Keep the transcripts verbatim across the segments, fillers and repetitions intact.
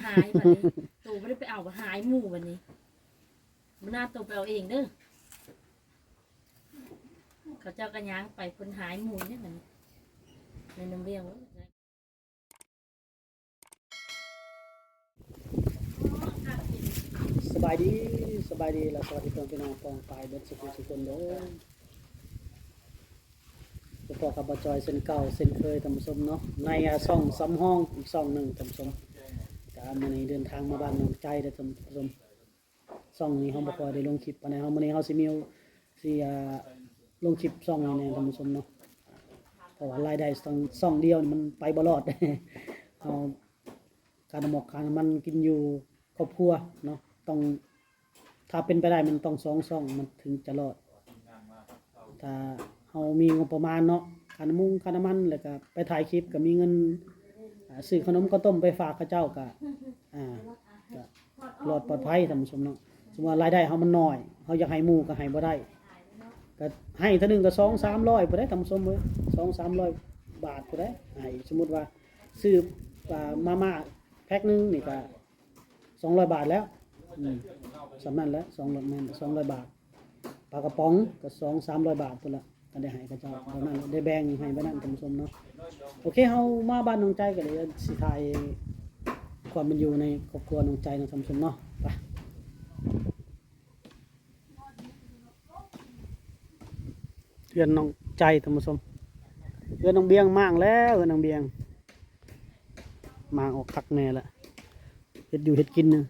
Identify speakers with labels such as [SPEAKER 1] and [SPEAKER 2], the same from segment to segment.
[SPEAKER 1] หายบัดนี้ตู่ไม่ได้ไปเอาหายหมู่บัดนี้มันน่าตู่ไปเอาเองเด้อเขาเจ้ากันย้างไปคนหายหมู่เนี่ยมันในน้ำเลี้ยง
[SPEAKER 2] สบายดีสบายดีแล้วสวัสดีเพื่อนพี่น้องปองปลายเบิดสุขสุขคนเด้อพอกับบจอยเส้นเก่าเส้นเคยทำสมเนาะในซ่องซ้ำห้องอีกซ่องหนึ่งทำสมการมาในเดินทางมาบ้านน้องใจได้ทำสมซ่องนี้เขาบอกว่าได้ลงคลิปปานในเขาวันนี้เขาสิมีสิลงคลิปซ่องนี้ในทำสมเนาะเพราะว่ารายได้ซ่องซ่องเดียวมันไปบ่รอดเอาการหมอกการมันกินอยู่ครอบครัวเนาะต้องถ้าเป็นไปได้มันต้องสองซ่องมันถึงจะรอดถ้าเรามีงบประมาณเนาะค่าน้ำมุงค่าน้ำมันแล้วก็ไปถ่ายคลิปก็มีเงินซื้อขนมข้าวต้มไปฝากเขาเจ้าก็อ่าก็รอดปลอดภัยท่านผู้ชมเนาะสมมุติว่ารายได้เฮามันน้อยเฮาอยากให้หมู่ก็ให้บ่ได้ก็ให้เท่านึงก็สอง สามร้อยบ่ได้ท่านผู้ชมเอ้ยสอง สามร้อยบาทบ่ได้ให้สมมุติว่าซื้อมาม่าแพ็คนึงนี่ก็สองร้อยบาทแล้วอืมสำนั้นแล้วสองร้อยแม่นสองร้อยบาทปลากระป๋องก็สอง สามร้อยบาทพุ่นละก็ได้ให้เขาเจ้าเท่านั้นได้แบ่งให้บ่นั้นท่านผู้ชมเนาะโอเคเฮามาบ้านน้องใจก็เลยสิถ่ายความเป็นอยู่ในครอบครัวน้องใจเนาะท่านผู้ชมเนาะไปเรือนน้องใจท่านผู้ชมเรือนน้องเบียงมากแล้วเรือนน้องเบียงมางออกคักแน่ละเฮ็ดอยู่เฮ็ดกินนึง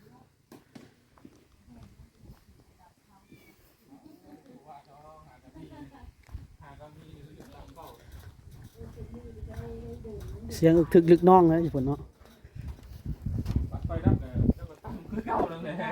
[SPEAKER 2] เสียงอึกทึกลึกน้องเลยญี่ปุ่นเนาะ
[SPEAKER 3] ไฟดับเลยแล้วก็ตั้งคือเก่าเลยแหละ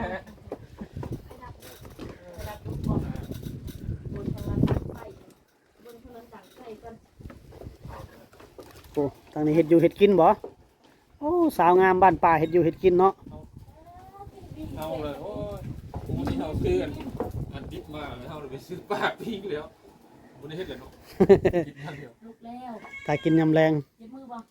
[SPEAKER 2] โอ้ทางนี้เฮ็ดอยู่เฮ็ดกินบ่โอ้สาวงามบ้านป่าเฮ็ดอยู่เฮ็ดกินเนาะ
[SPEAKER 3] เอาเลยโอ้ยกูที่เอาเพื่อนอันดิบมาแล้วเราไปซื้อปากพิงแล้ววันนี้เฮ็ดเลยเนาะกินทันเดียว
[SPEAKER 1] ลุกแล้ว
[SPEAKER 2] ถ้ากินยำแรง
[SPEAKER 1] เจ็บมือบ่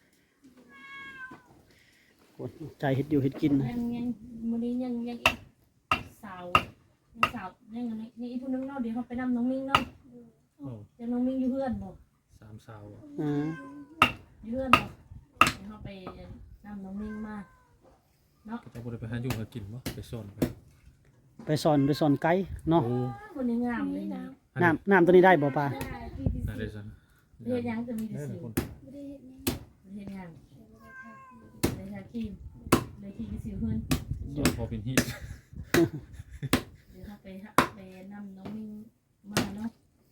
[SPEAKER 2] โอ้ใจเฮ็ดอยู่เฮ็ดกิน
[SPEAKER 1] ยังยังมื้อนี้ยังยังอีกสาวยังสาวยังยังนี่อีกผู้นึงเนาะเดี๋ยวเขาไปนำน้องมิ้งเนาะเดี๋ยวน้องมิ้งอยู่เพื่อนบ่
[SPEAKER 3] สามสาว
[SPEAKER 2] อ่า
[SPEAKER 1] อยู่เพื่อนบ่เดี๋ยวเขาไปนำน้องมิ้งมาเนาะ
[SPEAKER 3] จะบ่ได้ไปหาอยู่หากินบ่ไปซ่อนไป
[SPEAKER 2] ไปสอนไปสอนไก่เนาะ
[SPEAKER 3] โอ้
[SPEAKER 1] คนนี้งามเลยนะ
[SPEAKER 2] น้ำน้ำตัวนี้ได้บ่ป่า
[SPEAKER 3] น่าได้ซั่น
[SPEAKER 1] เรียนยังจะมีแต่สิว
[SPEAKER 4] ไม่ได้เห็นยัง
[SPEAKER 1] เรียนยังเลยทาครีมเลยที่สิวเพื่อน
[SPEAKER 3] ซ่อนพอเป็นฮีท
[SPEAKER 1] เดี๋ยวเขาไปไปนำน้องมิ้งมาเนาะ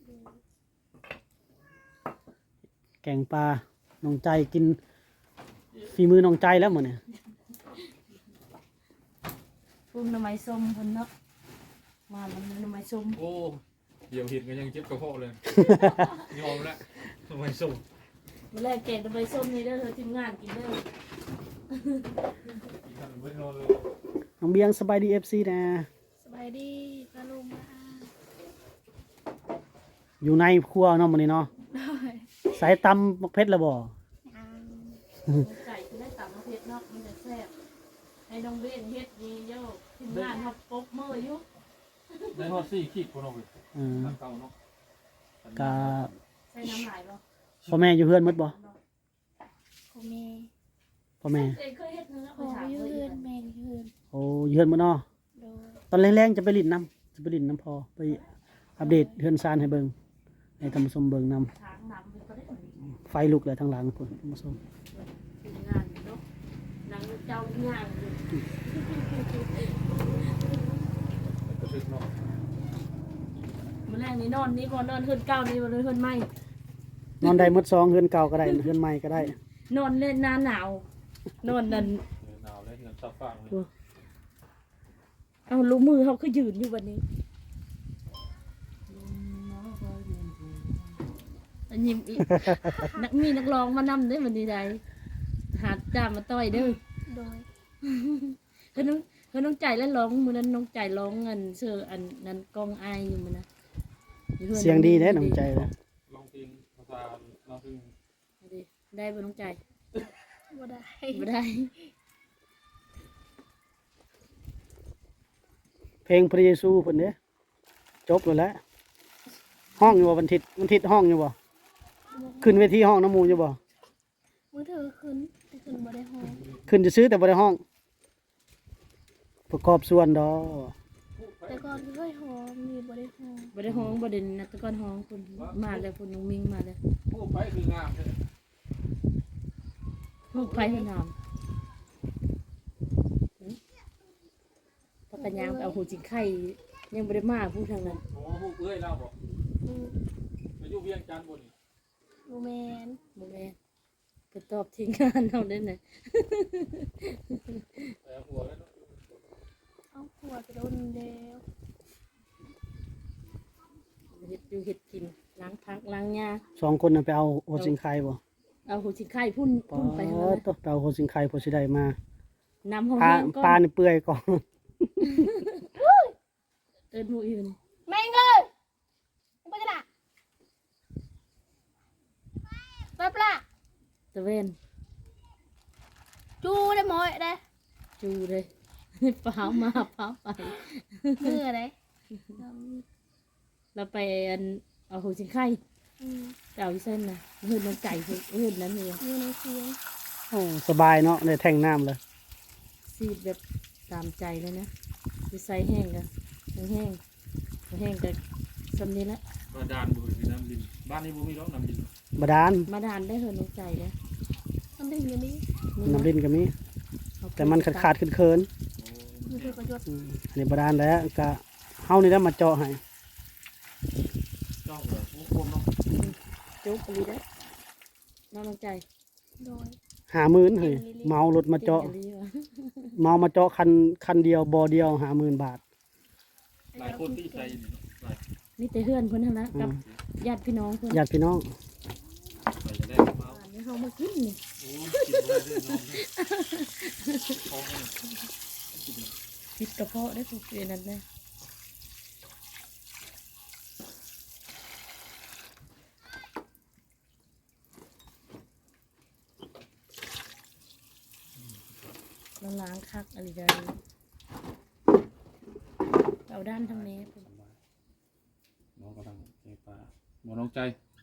[SPEAKER 2] แกงปลาน้องใจกินฝีมือน้องใจแล้วมื้อนี้
[SPEAKER 1] ฟุ้งน้ำไม้ส้มคนเนาะมาแล้วน้ำไม้ส้ม
[SPEAKER 3] โอ้เดี๋ยวเห็นก็ยังเจ็บกระเพาะเลยยอมแล้วทำไมส่ง
[SPEAKER 1] เมื่อแรกแกงน้ำไม้ส้มนี่เด้อเธอทีมงานกินเด้อ
[SPEAKER 3] กินทันไม่นอนเลย
[SPEAKER 2] น้องเบียงสบายดี เอฟ ซี นะ
[SPEAKER 4] สบายดีปลาลุงมา
[SPEAKER 2] อยู่ในครัวเนาะมื้อนี้เนาะ
[SPEAKER 4] ได้
[SPEAKER 2] สายตำมักเพชรแล้วบ่
[SPEAKER 4] ยัง
[SPEAKER 1] ไก่คือได้ตำมะเพ็ดเนาะมันจะแซ่บให้น้องเบ้นเฮ็ดดีเยอะทีมงานเขาปกมืออยู่
[SPEAKER 3] ได้ฮอดสี่ขีดคนเอาไป
[SPEAKER 2] อืม
[SPEAKER 3] เก่าเนาะ
[SPEAKER 2] ก็
[SPEAKER 1] ใส่น้ำลายบ่
[SPEAKER 2] พ่อแม่อยู่เฮือนหมดบ่
[SPEAKER 4] โคเม
[SPEAKER 2] พ่อแม่
[SPEAKER 1] เคยเคยเฮ็ดเนื้อ
[SPEAKER 4] โค
[SPEAKER 1] ไปถาม
[SPEAKER 4] ยื
[SPEAKER 1] เพื่อน
[SPEAKER 4] นแมงยืน
[SPEAKER 2] โอ้อยู่เฮือนหมดเนาะ
[SPEAKER 4] โดย
[SPEAKER 2] ตอนแรงๆจะไปลิ้นน้ำจะไปลิ้นน้ำพอไปอัปเดตเฮือนซานให้เบิ่งให้ท่านผู้ชมเบิ่งนำ
[SPEAKER 1] ทางน้ำมันก็ได้เหมือนกัน
[SPEAKER 2] ไฟลุกเลยทางหลังพุ่นท่านผู้ชม
[SPEAKER 1] ทีมงานเนาะนางเจ้างานอยู่
[SPEAKER 3] ก็ชึกเนาะ
[SPEAKER 1] เมื่อแรกนี่นอนนี่บ่นอนเฮือนเก่านี่บ่นอนเฮือนใหม่
[SPEAKER 2] นอนได้หมดซองเฮือนเก่าก็ได้เฮือนใหม่ก็ได้
[SPEAKER 1] นอนเล่นหน้าหนาว นอนนั่น
[SPEAKER 3] หนาวเลยเงินซับฟางเลย
[SPEAKER 1] เอาลูกมือเขาคือยืนอยู่วันนี้อันยิ้มอีก นักมีนักร้องมานำได้วันนี้ใดหาจ้ามาต่อยเด้อ
[SPEAKER 4] โดย
[SPEAKER 1] คือน้องคือน้องใจแล้วร้องมือนั้นน้องใจร้องเงินเชื่ออันนั้นกองอายอยู่มันนะ
[SPEAKER 2] เสียงดีแท้น้องใจนะ
[SPEAKER 3] ลองเพลงภาษาเราซึ่ง
[SPEAKER 1] ได้บ่น้องใจ
[SPEAKER 4] บ่ได้
[SPEAKER 1] บ่ได้
[SPEAKER 2] เพลงพระเยซูเพิ่นเด้จบแล้วแหละห้องอยู่บ่วันทิศวันทิศห้องอยู่บ่ขึ้นเวทีห้องน้ำหมูอยู่บ่
[SPEAKER 4] มือถือขึ้นแต่ขึ้นบ่ได้ห้อง
[SPEAKER 2] ขึ้นจะซื้อแต่บ่ได้ห้อง ประกอบส่วนดอก
[SPEAKER 4] แต่ก่อนเคยห้องมีบ่ได้ห้อง
[SPEAKER 1] บ่ได้ห้องบ่ได้นัดแตะก้อนห้องคุณมาแล้วคุณน้องมิงมาแล้ว
[SPEAKER 3] ผู้ไปคืองามเลย
[SPEAKER 1] ลูกไผเพิ่นถามปากกะยางไปเอาหูจิงไข่ยังบ่ได้มาพูดทางนั้น
[SPEAKER 3] โอ้ผู้เอ้ยเล่าบอก
[SPEAKER 4] อืม
[SPEAKER 3] มาอยู่เวียงจันทน์บนนี่
[SPEAKER 4] บ่แม่น
[SPEAKER 1] บ่แม่นไปตอบทีมงานเฮาได้น่ะ
[SPEAKER 3] แต่หัวแล้วเนาะ
[SPEAKER 4] เอาผัวไปโดนแล้ว
[SPEAKER 1] เฮ็ดอยู่เฮ็ดกินล้างพักล้างหญ้า
[SPEAKER 2] สองคนน่ะไปเอาโอสิงไข่บ่
[SPEAKER 1] เอาหูจิงไข่พุ่น
[SPEAKER 2] ปอ
[SPEAKER 1] พุ่นไปทางนั้น
[SPEAKER 2] ต้องไปเอาโอสิงไข่พอสิได้มา
[SPEAKER 1] น้ำห้อง
[SPEAKER 2] ปลา
[SPEAKER 1] แห้งก่
[SPEAKER 2] ปลา
[SPEAKER 1] อน
[SPEAKER 2] นี่เปื่อยก่อน
[SPEAKER 1] เอิ้นผู้อื่น
[SPEAKER 4] แม่งเอ้ยบ่จะละไปปลา
[SPEAKER 1] ตะเวน
[SPEAKER 4] จูได้หมอยได้
[SPEAKER 1] จูเลยเปล่ามาเปล่าไป
[SPEAKER 4] มือได้
[SPEAKER 1] เราไปอันเอาหูจิงไข่
[SPEAKER 4] อืม
[SPEAKER 1] ไปเอาอีเส้นน่ะเฮือนน้ำไก่เฮือนนั้นนี่
[SPEAKER 4] อยู่ในเสียง
[SPEAKER 2] โอ้สบายเนาะได้แท่งน้ำเลย
[SPEAKER 1] ซีดแบบตามใจเลยนะไปใส่แห้งกันแห้งแห้งกันสำนี้ละ
[SPEAKER 3] บาดาลบุรีน้ำดินบ้านนี้บุมีร้องน้ำดิน
[SPEAKER 2] บาดาล
[SPEAKER 1] มาดานได้เฮือนน้ำใจเลย
[SPEAKER 4] มันได้อยู่นี่
[SPEAKER 2] น้ำดินก็มี
[SPEAKER 1] เอาไป
[SPEAKER 2] แต่มันขาดขาดๆเคิน
[SPEAKER 4] มือถือประโยชน์
[SPEAKER 2] ๆอืมอันนี้บาดาลแล้วก็เฮานี่ได้มาเจาะให้
[SPEAKER 3] จ้องเลยผู้คนเนาะ
[SPEAKER 1] จุ๊บไปเลยได้น้องน้ำใจ
[SPEAKER 4] โดย
[SPEAKER 2] หาหมื่นเฮ้ยเมารถมาเจาะ
[SPEAKER 1] ก่งอีหลีว
[SPEAKER 2] เมามาเจาะคันคันเดียวบ่อเดียวหาหมื่นบาท
[SPEAKER 3] หลายคนที่ใจนี่เนาะหลาย
[SPEAKER 1] นี่แต่เฮือนเพิ่นทั้งนั้น
[SPEAKER 2] อื
[SPEAKER 1] กับ
[SPEAKER 2] ม
[SPEAKER 1] ญาติพี่น้องเพิ่น
[SPEAKER 2] ญาติพี่น้อง
[SPEAKER 3] ไปจะได้มา
[SPEAKER 1] อันนี้เฮามากินนี่
[SPEAKER 3] โอ้กินบ่ได้ด้วยน้องเนี่ยท้องเนี่ยกินเนี่ย
[SPEAKER 1] ปิดกระเพาะได้ถูกเรียนนั่นเลยเราล้างคักอะไรได้เอาด้านทางนี้เพิ่น
[SPEAKER 3] น้องกำลังใจปลาหมอน้องใจ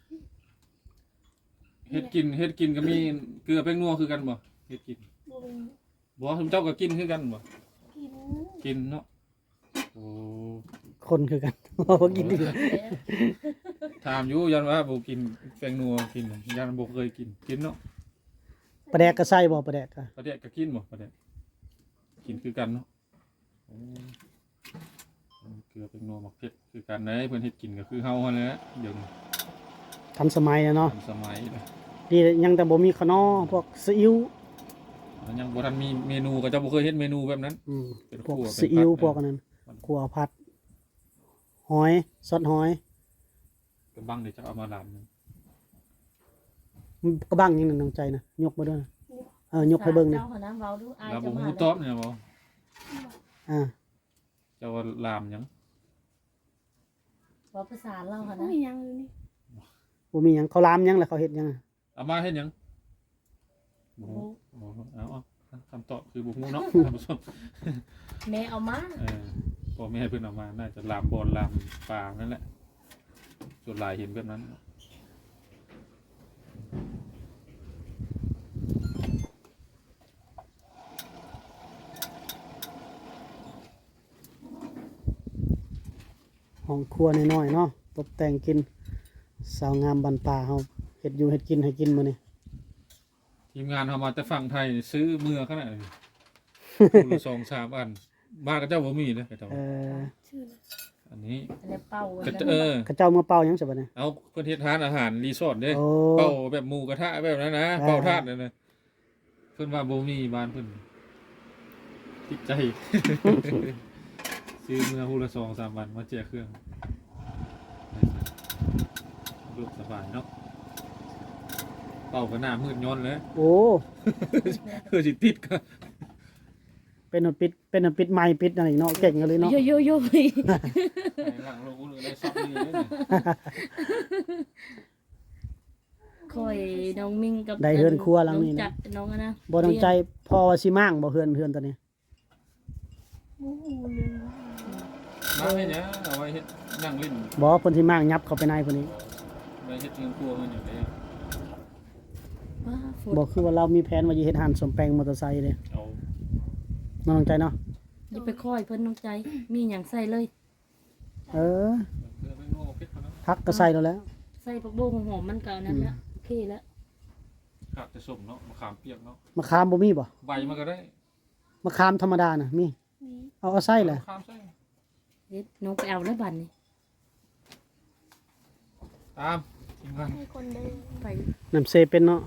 [SPEAKER 3] เฮ็ดกินเฮ็ดกินก็มีเกลือแป้งนัวคือกันบ่เฮ็ดกิน
[SPEAKER 4] บ่มี
[SPEAKER 3] บ่คุณเจ้าก็กินคือกันบ่
[SPEAKER 4] กิน
[SPEAKER 3] กินเนาะโอ้
[SPEAKER 2] คนคือกัน บ่กินดี
[SPEAKER 3] ถามอยู่ยันว่าบ่กินแป้งนัวกินยันบ่เคยกินกินเนาะ
[SPEAKER 2] ปลาแดกก็ใส่บ่ปลาแดกก็
[SPEAKER 3] ประเดะก็กินบ่ประเดะกินคือกันเนาะโอ้เกลือเป็นนัวหมักเผ็ดคือกันเด้เพิ่นเฮ็ดกินก็คือเฮาหั่นแหละเดี๋ยวนี้
[SPEAKER 2] ทันสมัยอะเนาะ
[SPEAKER 3] ทันสมัยเลย
[SPEAKER 2] ดียังแต่บ่มีขนอพวกซีอิ๊ว
[SPEAKER 3] แล้วยังบ่ทันมีเมนูก็เจ้าบ่เคยเฮ็ดเมนูแบบนั้น
[SPEAKER 2] อืม
[SPEAKER 3] เป็น
[SPEAKER 2] พวก
[SPEAKER 3] คั่วเป็น
[SPEAKER 2] ซีอิ๊ว
[SPEAKER 3] ผัด
[SPEAKER 2] พวกอันนั้นขัวผัด หอยซอสหอย
[SPEAKER 3] กระบังเดี๋ยวจะเอามาลำนึง
[SPEAKER 2] กระบังยังนั่นน้องใจนะยกมาด้วยนะเออยกให้เบิ่งนะ
[SPEAKER 1] เจ้าหาน้ำเว้าดูอาย
[SPEAKER 3] แล้ว
[SPEAKER 1] จะ
[SPEAKER 3] บ่
[SPEAKER 1] มา
[SPEAKER 3] ฮู้
[SPEAKER 1] แล้ว
[SPEAKER 3] ตอบเนี่ยบ่
[SPEAKER 2] อ่า
[SPEAKER 3] เจ้าว่าลามหยัง
[SPEAKER 1] ว่าภาษาเล่าค่ะ
[SPEAKER 4] บ่
[SPEAKER 1] นะ
[SPEAKER 4] มีหยังอยู่นี่
[SPEAKER 2] บ่มีหยังเขาลามหยังแหละเขาเฮ็ดหยังอะ
[SPEAKER 3] เอามาเฮ็ดหยังบ่ฮู้บ่ฮู้เอาเอาคำตอบคือบ่ฮู้เนาะท่านผู้ชม
[SPEAKER 1] แม่เอามา
[SPEAKER 3] เออพ่อแม่เพิ่นเอามาน่าจะลามบอลลามปลานั่นแหละส่วนหลายเห็นแบบนั้น
[SPEAKER 2] ห้องครัวน้อยๆเนาะตกแต่งกินสาวงามบันป่าเฮาเฮ็ดอยู่เฮ็ดกินให้กินมื้อนี้
[SPEAKER 3] ทีมงานเขามาแต่ฝั่งไทยซื้อเมือขนาดนี้ คนละสองสามอันบ้านก็เจ้าบ่มีนะเจ้า
[SPEAKER 2] เออ
[SPEAKER 4] ชื่อน่ะ
[SPEAKER 3] อันนี้
[SPEAKER 1] อันนี้เป่า
[SPEAKER 3] ก็
[SPEAKER 1] อัน
[SPEAKER 3] จะ
[SPEAKER 1] นั้น
[SPEAKER 3] เออ
[SPEAKER 2] เขาเจ้ามาเป่าหยังซะบัดนี้
[SPEAKER 3] เอาเพื่อนเฮ็ดทานอาหารรีสอร์ทเด้
[SPEAKER 2] โอ้
[SPEAKER 3] เป่าแบบหมูกระทะแบบนั้นนะ
[SPEAKER 2] อ่า
[SPEAKER 3] เป่าทาดนั่นนะเพิ่นว่าบ่มีบ้านเพิ่นติดใจ ซื้อเมื่อฮู้ละสองสามวันมาแจกเครื่องรูปสบายเนาะเป่าก็หน้ามืดย้อนเลย
[SPEAKER 2] โอ้
[SPEAKER 3] คือสิติดก็
[SPEAKER 2] เป็นอันปิดเป็นอันปิดไม้ปิดอะไรเนาะเก่งกันเลยเนาะ
[SPEAKER 1] โยโยโย่
[SPEAKER 3] หลังโลกเลยได้ซับนี่เลยเนี่ย
[SPEAKER 1] คอยน้องมิงกับ
[SPEAKER 2] ได้เฮือนครัวหลังนี้
[SPEAKER 1] อง
[SPEAKER 2] นะ
[SPEAKER 1] จัดน้องอะนะ
[SPEAKER 2] บ่ต้องใจพอว่าสิมั่างบ่เฮือนเฮือนตัวนี้
[SPEAKER 4] บ่ฮู้เลย
[SPEAKER 3] างให้เนี่ยเอาไว้เฮ็ดนั่งเล่น
[SPEAKER 2] บ่เพิ่นสิมางยับเข้าไปในพุ่นนี้
[SPEAKER 3] ไว้เฮ็ดเงินครัวมันอยู่เลย
[SPEAKER 1] ว้าฝน
[SPEAKER 2] บ่คือว่าเรามีแผนว่าจะเฮ็ดร้านสมแปลงมอเตอร์ไซค์เด้
[SPEAKER 3] เอา
[SPEAKER 2] น้องใจเนาะ
[SPEAKER 1] อย่าไปค่อยเพิ่นน้องใจมีหยังใส่เลย
[SPEAKER 2] เออ
[SPEAKER 3] เกลือไม่งอกเพชรนะ
[SPEAKER 2] พักก็ใส่แล้วแหล้ว
[SPEAKER 1] ใส่ผักบุ้งหอมมันก็อันนั้นละโอเคแล้ว
[SPEAKER 3] ขาดจะส้มเนาะมะขามเปียกเนาะ
[SPEAKER 2] มะขามบ่มีบ่
[SPEAKER 3] ใบมันก็ได้
[SPEAKER 2] มะขามธรรมดาน่ะมี
[SPEAKER 4] นี่
[SPEAKER 2] เอาเอาใส่แหละ
[SPEAKER 3] มะขามใส่
[SPEAKER 1] เด็ดน้องไปเอาแล้วบัดนี้
[SPEAKER 3] ตามทีมงาน
[SPEAKER 4] ให้คนเดิน
[SPEAKER 1] ไป
[SPEAKER 2] น้ำเซเป็นเนาะ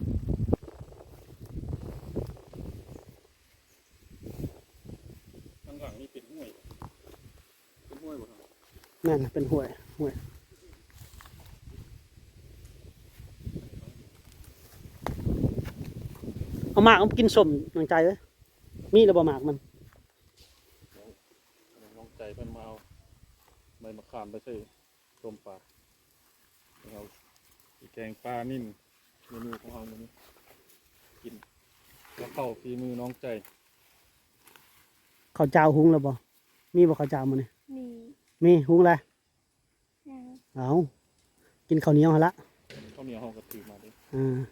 [SPEAKER 3] ข้างหลังนี่เป็นห้วยเป็นห้วยบ่ครับ
[SPEAKER 2] นั่นน่ะเป็นห้วยห้วยเอาหมากเอากินส้มน้องใจเอ้ยมีแล้วบ่หมากมัน
[SPEAKER 3] น้องใจเพิ่นมาเอาใบมะขามไปใส่ต้มปลาเอาแกงปลานิ่มเมนูของเรามื้อนี้กินแล้วเข้าฝีมือน้องใจ
[SPEAKER 2] ข้าวเจ้าหุงแล้วบ่มีบ่ข้าวเจ้ามื้อนี้
[SPEAKER 4] มี
[SPEAKER 2] มีหุงแล้ว
[SPEAKER 4] ยัง
[SPEAKER 2] เอากินข้าวเหนียวหั่นละ
[SPEAKER 3] ข้าวเหนียวเฮาก็ถือมาเด้
[SPEAKER 2] อ่า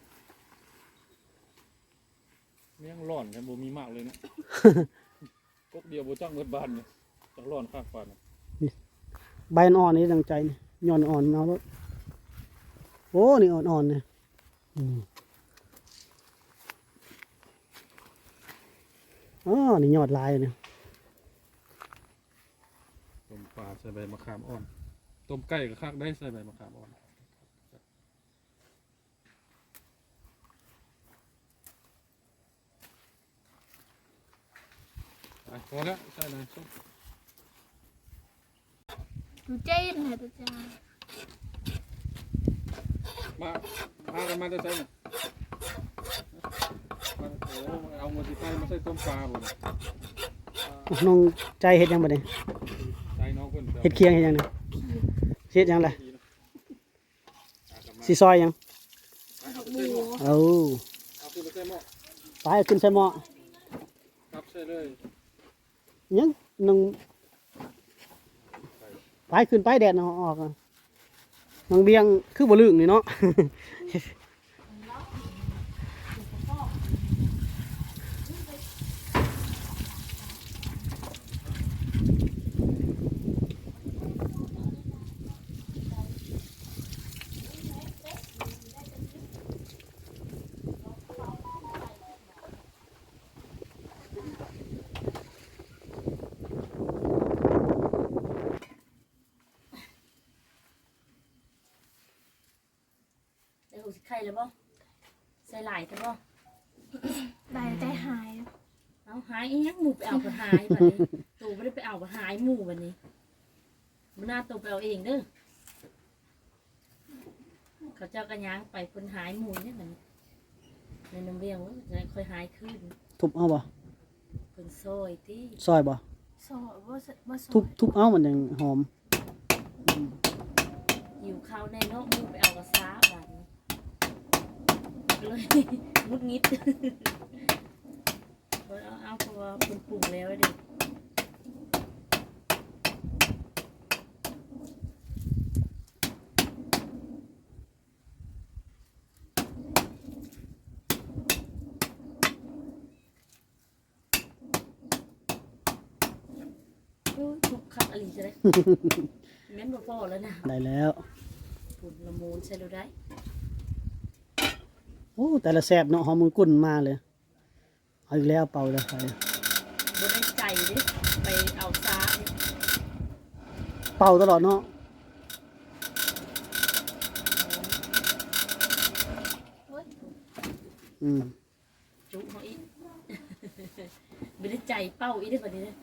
[SPEAKER 3] เมี่ยงร้อนแค่บ่มีมากเลยนะ กกเดียวบ่จังเบิดบ้านเนี่ยจังร้อนคักปานน่ะ
[SPEAKER 2] ใบอ่อนๆนี่ดังใจนี่ย้อนอ่อนเอาแล้วโอ้นี่อ่อนๆเนี่ยอืมอ๋อนี่ยอดลายเนี่ย
[SPEAKER 3] ต้มปลาใส่ใบมะขามอ่อนต้มไก่ก็คักได้ใส่ใบมะขามอ่อนไปพอแล้วใส่เลยส้ม
[SPEAKER 4] ดูเจ๊นะตัวจ้า
[SPEAKER 3] มามากันมาจะใส่เนี่ยมาโอ้เอาหมดที่ใส่มาใส่ต้มปลาบ่เนี่ย
[SPEAKER 2] น้องใจเฮ็ดหยังบ่เนี่ย
[SPEAKER 3] ใส่น้องเพิ่น
[SPEAKER 2] เฮ็ดเคียงเฮ็ดหยังเนี่ยเฮ็ดหยังล่ะสิซอยหยัง
[SPEAKER 4] หมู
[SPEAKER 2] เอา
[SPEAKER 3] เอาขึ้นไปใส่หม้อ
[SPEAKER 2] ไปเอาขึ้นใส่หม้อ
[SPEAKER 3] ครับใส่เลย
[SPEAKER 2] หยังน้องไปขึ้นไปแดดเอาออกอะน้องเบียงคือบ่ลึกนี่เนาะ
[SPEAKER 1] ได้หูสิไข่แล้วบ่ใส่หลายแต่บ่
[SPEAKER 4] ได้ใจหาย
[SPEAKER 1] เอาหายอีหยังหมู่ไปเอาก็หายบัดนี้ตู่บ่ได้ไปเอาก็หายหมู่บัดนี้บ่น่าตู่ไปเอาเองเด้อเขาเจ้าก็ย่างไปเพิ่นหายหมู่เนี่ยบัดนี้ในน้ำเลี้ยงว่าจะค่อยหายขึ้น
[SPEAKER 2] ทุบเอาบ่
[SPEAKER 1] เพิ่นซอยติ
[SPEAKER 2] ซอยบ่
[SPEAKER 4] สอว่าว่าสอ
[SPEAKER 2] ทุบทุบเอามันยังหอม
[SPEAKER 1] หิวข้าวแน่เนาะหมู่ไปเอาก็ซ้าบัดนี้เลยงุดงิด เพิ่นเอาเอาเพราะว่าเพิ่นปรุงแล้วเด้ ทุกขับอะไรจะได้ แม่นบ่พอแล้วนะ
[SPEAKER 2] ได้แล้ว
[SPEAKER 1] ปุ่นละมูนใช่หรือได้
[SPEAKER 2] โอ้แต่ละแซ่บเนาะหอมมือกุ่นมาเลยเอาอีกแล้วเป่าแล้วไป
[SPEAKER 1] บ่ได้ใจเด้ไปเอาซ้าเด้
[SPEAKER 2] เป่าตลอดเนาะ อืม
[SPEAKER 1] จุเฮาอีก บ่ได้ใจเป้าอีกเด้อบัดนี้เด้อ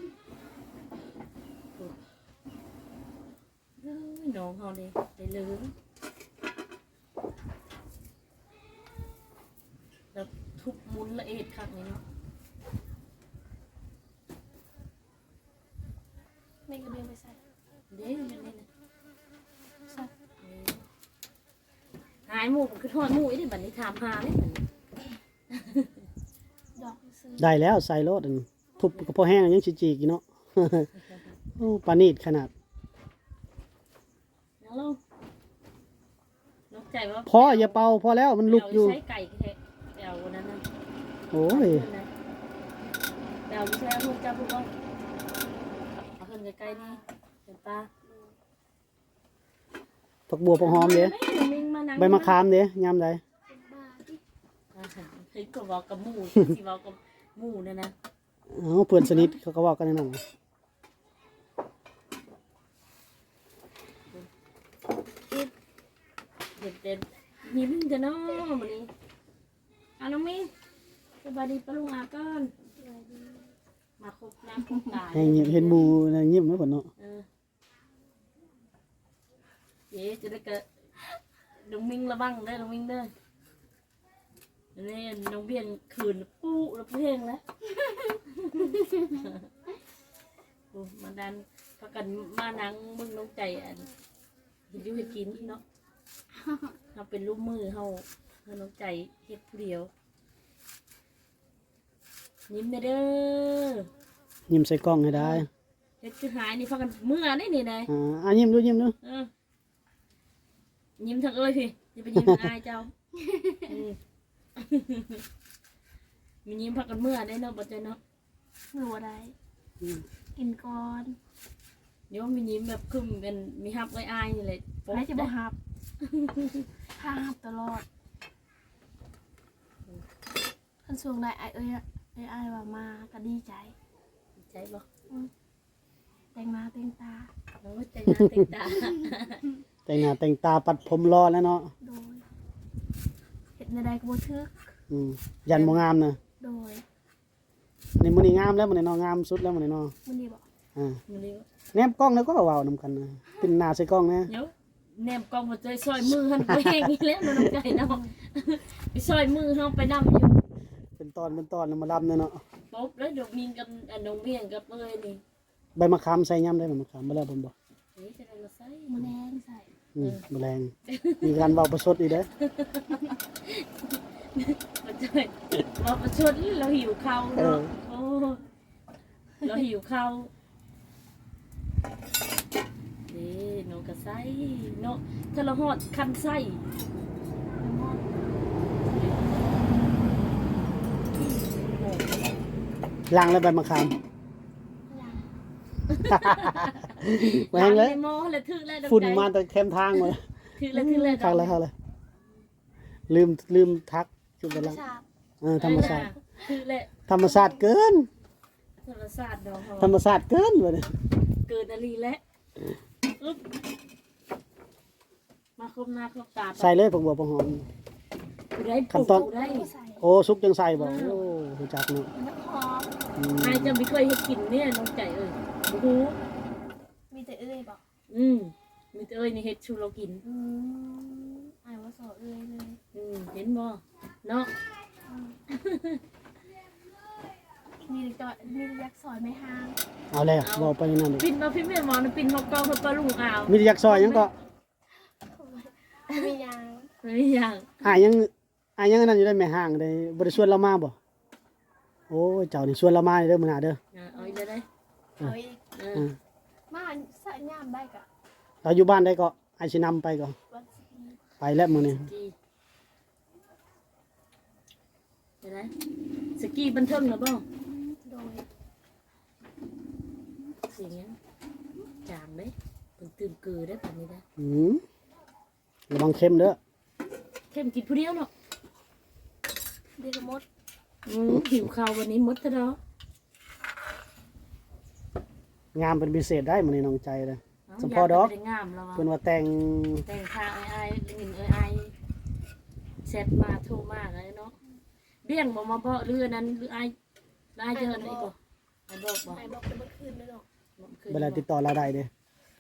[SPEAKER 1] เอ้ยน้องเฮานี่ได้ลืมแล้วทุบมุนละเอียดคักนี่เนาะ
[SPEAKER 4] ไม่กระเบียงไปใส่
[SPEAKER 1] เด้มันนี่นะ
[SPEAKER 4] ใส่
[SPEAKER 1] หายหมู่คือทอดหมู่อีกเด้อบัดนี้ถามหาเด้บัดนี้
[SPEAKER 4] ดอกซื้อ
[SPEAKER 2] ได้แล้วใส่รถอันทุบกระเพาะแห้งยังจีจีกินเนาะโอ้ปานีดขนาด
[SPEAKER 1] นั่งลงนกใจว่า
[SPEAKER 2] พออย่าเป่าพอแล้วมันลุกอยู่
[SPEAKER 1] ใช้ไก่แค่เดี๋ยววันนั้นนะ
[SPEAKER 2] โอ้ย
[SPEAKER 1] เดี๋ยวใช้เอาเพิ่นจับพวกเอาเอาเพิ่นใกล้ๆนี่เห็นปะ
[SPEAKER 2] ผักบัวผักหอมเด้
[SPEAKER 1] มิงมานั่ง
[SPEAKER 2] ใบมะขามเด้ยามใด
[SPEAKER 4] เป็นบ้าที่
[SPEAKER 1] อ่าเฮ้ยก็บอกกับหมูสิบอกกับหมูเนี่ยนะ
[SPEAKER 2] เอ้าเพื่อนสนิทเขาก็เว้ากันนั่นน่ะ
[SPEAKER 1] เด็ดเด็ดๆยิ้มจะน้อวันนี้เอาน้องมิงสบายดีปะลุงอาก่อนมาครบน้ำครบตา
[SPEAKER 2] ให้เห็นหมู่น่ะยิ้มไว้ก่อนเนาะ
[SPEAKER 1] เออเจ๊จะได้เกิดน้องมิงระวังได้อน้องมิงเด้อนี่น้องเบี้ยงคืนปู้แล้วเพลงแล้วโอ้มาดันพักกันมานังมึงน้องใจอันเห็นอยู่เห็นกินเนาะเราเป็นลูกมือเฮาเฮาน้องใจเฮ็ดผู้เดียวยิ้มเด้อ
[SPEAKER 2] ยิ้มใส่กล้องให้ได้
[SPEAKER 1] เฮ็ดคือหายนี่พักกันเมื่อได้นี่นาย
[SPEAKER 2] อ่าอ่ะยิ้มดูยิ้มดู
[SPEAKER 1] เออยิ้มทางเอ้ยพี่อย่าไปยิ้มทางอายเจ้าอืมมียิ้มพักกันเมื่อได้เนาะบ่ใจเนาะ
[SPEAKER 4] หนูอะไรกินก่อน
[SPEAKER 1] เดี๋ยวมียิ้มแบบคึมกันมีฮับไว้อายนี่แหละโป๊
[SPEAKER 4] ไม่จะบ่
[SPEAKER 1] ได้
[SPEAKER 4] ฮับถ้าฮับตลอดคันช่วงใดไอ้เอ้ยอะไอ้ไอ้ายว่ามาก็ดีใจ
[SPEAKER 1] ใจบ่
[SPEAKER 4] แต่งหน้าแต่งตา
[SPEAKER 1] โอ้ยใจงานเต็งตา
[SPEAKER 2] แต่งหน้าแต่งตาปัดผมรอแล้วเนาะ
[SPEAKER 4] โดยเห็ดในใดก็บ่ทึก
[SPEAKER 2] อืมยันบ่งามนะ
[SPEAKER 4] โดย
[SPEAKER 2] ในมื้อนี้งามแล้วมื้อนี้เนาะงามสุดแล้วมื้อนี้เนาะ
[SPEAKER 4] มันดีบอก
[SPEAKER 2] อ่า
[SPEAKER 1] มื้อนี้
[SPEAKER 2] แนบกล้องแล้วก็เว้านํกันนะเป็นหน้าใส่กล้องนะ
[SPEAKER 1] เดี๋ยวแนมกองบ่ใจซอยมือหันไปแห้งอีกแล้วน้องใจเนาะไปซอยมือเฮาไปนำอยู่
[SPEAKER 2] เป็นตอนเป็นตอนแล้วมาลํเนาะ
[SPEAKER 1] ป๊บแล้วเดี๋ยวมีกับอันน้องเบี้ยงกับเอ้ยนี่
[SPEAKER 2] ใบมะขามใส่ยามได้ใบมะขามบ่แล้วผมบอก
[SPEAKER 1] นี่จะได้มาใส่
[SPEAKER 4] มันแดงใส่
[SPEAKER 2] อืมแมลงมีการเว้าประชดอีกเด้อ
[SPEAKER 1] มันจะมาประชดเราหิวข้าวเนาะโอ้เราหิวข้าวนี่น้องก็ใส่เนาะถ้าเราหอดคันไส้
[SPEAKER 2] ล้างแล้วใบมะขาม แหวงเลย
[SPEAKER 1] ในหม้อแล้วถึกแล้ว
[SPEAKER 2] ฝุ่นมาแต่แคมทางหมด
[SPEAKER 1] ถึกแล้วถึกแล้ว
[SPEAKER 2] คักเลยคักเลยลืมลืมทักจุดไป
[SPEAKER 4] ธรรม
[SPEAKER 2] ล้าง
[SPEAKER 4] ชาติ
[SPEAKER 2] เออธรรมชาติ
[SPEAKER 1] ถึกแล้ว
[SPEAKER 2] ธรรมชาติเกิน
[SPEAKER 1] ธรรมชาติดอก
[SPEAKER 2] ธรรมชาติเกินวะเนี่ย
[SPEAKER 1] เกินอะไรแล้วอึ๊บมาครบหน้าครบตา
[SPEAKER 2] ใส่เลยผักบัวผักหอม
[SPEAKER 1] ได้
[SPEAKER 2] ขั้นตอน
[SPEAKER 1] ได้
[SPEAKER 4] ใส่
[SPEAKER 2] โอ้ซุปจังใส่บ่โอ้รู้จักเนาะ
[SPEAKER 4] น้ำหอม
[SPEAKER 2] อืม
[SPEAKER 1] นายจะไม่เคยให้กินเนี่ยน้องใจเอ้ยโอ้โห
[SPEAKER 4] มีแต่เอ้ยบอก
[SPEAKER 1] อืมมีแต่เอ้ยนี่เฮ็ดชูเรากิน
[SPEAKER 4] อืมไอ้ายว่าสอเอ้ยเลย
[SPEAKER 1] อืมเห็นบ่เนาะ
[SPEAKER 4] มีแต่จอยมีแต่ยักษ์สอยไม่ห่าง
[SPEAKER 2] เอาแล้วบอกไปนั่นดิ
[SPEAKER 1] ปินมาพี่แม่หมอนะปินเขาเกาเขาปลาลุงอ่าว
[SPEAKER 2] มีแต่ยักษ์ซอยยังก็
[SPEAKER 4] มียาง
[SPEAKER 1] ไม่อย่าง
[SPEAKER 2] อ่ายังอ่ายังอันนั่นอยู่ได้แม่ห้างได้บ่ได้ชวนเรามาบ่โอ้ยเจ้านี่ชวนเรามาเด้อมื้อหน้าเด้อ
[SPEAKER 1] อ่ะเอาอีกเลยได้
[SPEAKER 4] เอาอีก
[SPEAKER 1] เอ
[SPEAKER 2] อ่า
[SPEAKER 1] อ
[SPEAKER 4] มาใส่ย่ามได้กะ
[SPEAKER 2] เราอยู่บ้านได้ก็ไอ้สินำไปก็
[SPEAKER 4] วันสิบ
[SPEAKER 2] ไปแล้วมื้อนี้
[SPEAKER 1] กีเดี๋ยวนะสกีบันเทิงเหรอบ่
[SPEAKER 4] โดย
[SPEAKER 1] เสียงยังจางเด้เพิ่งตื่นเกือได้ป่านนี้นะ
[SPEAKER 2] อืมระวังเค็มเด้อ
[SPEAKER 1] เข้มกินผู้เดียวเนาะ
[SPEAKER 4] เดกมด
[SPEAKER 1] อืมหิวข้าววันนี้หมดแล้วเนาะ
[SPEAKER 2] งามเป็นพิเศษได้มื้อนี้น้องใจเลย
[SPEAKER 1] เา
[SPEAKER 2] สมพอดอก
[SPEAKER 1] ยาจะไปได้งามแล้ว
[SPEAKER 2] เพิ่น
[SPEAKER 1] วะ
[SPEAKER 2] ว่าแต่ง
[SPEAKER 1] แต่งทางไอ้ไอ้หนึ่งไอ้ไอ้เซตมาโทรมากเลยเนาะเบี้ยงบอกมาบอกเรือนั้นหรือไอ้ไอ้เจออะไรบ่ไอ้บอกบอก
[SPEAKER 4] ไอ้บอกเป็นเมื่อคืนไม่หรอก
[SPEAKER 2] เวลาติดต่อเราได้เด้อ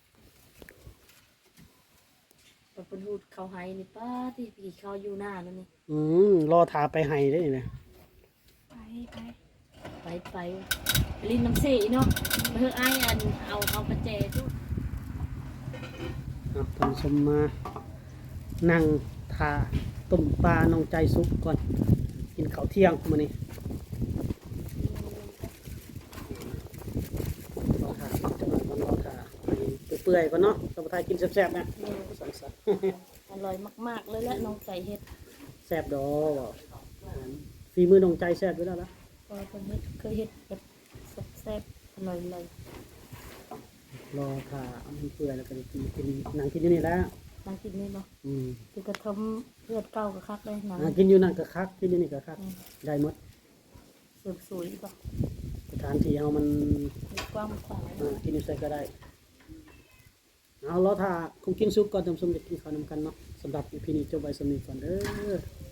[SPEAKER 1] เป็นหูดเขาไห้นี่ป้าที่พี่เขาอยู่หน้านั่นนี่
[SPEAKER 2] อืมรอถาไปให้ได้อนี่นะ
[SPEAKER 4] ไปไป
[SPEAKER 1] ไปไปลินน้ำเสีเนาะเพื่อไอ้อันเอาเอากระเจทุก
[SPEAKER 2] เอาท่านผู้ชมมานั่งทาต้มปลาน้องใจสุกก่อนกินข้าวเที่ยงมื้อนี้รอถาจังหน่อยก่อนรอเปื่อยก่อนเนาะสมุทรกินแซ่บๆนะสันสัน
[SPEAKER 1] อร่อยมากๆเลยแหละน้องใจเฮ็ด
[SPEAKER 2] แซ่บดอกฝีมือน้องใจแซ่บอยู่แล้วล่ะ
[SPEAKER 1] ก็เพิ่นเฮ็ดเคยเฮ็ดแบบแซ่บๆอร่อยเลย
[SPEAKER 2] รอค่ะเอามันเปื่อยแล้วก็จะกินกินนั่งกินอยู่นี่แหล้ว
[SPEAKER 1] นั่งกินนี่เนาะ
[SPEAKER 2] อืม
[SPEAKER 1] คือกระทำเลือดเก่ากับคักเลยหนัง
[SPEAKER 2] อ่ากินอยู่นั่นก็คักกินอยู่นี่ก็คัก
[SPEAKER 1] อืม
[SPEAKER 2] ได้หมด
[SPEAKER 1] เสริมสวยป่ะ
[SPEAKER 2] สถานที่เฮามัน
[SPEAKER 1] มีกว้างขวาง
[SPEAKER 2] อ่ากินอยู่ไสก็ได้เอารอถ้าคงกินซุปก่อนจำสมจะกินข้าวนำกันเนาะสำหรับ อี พี นี้จบไว้สำนี้ก่อนเด้อ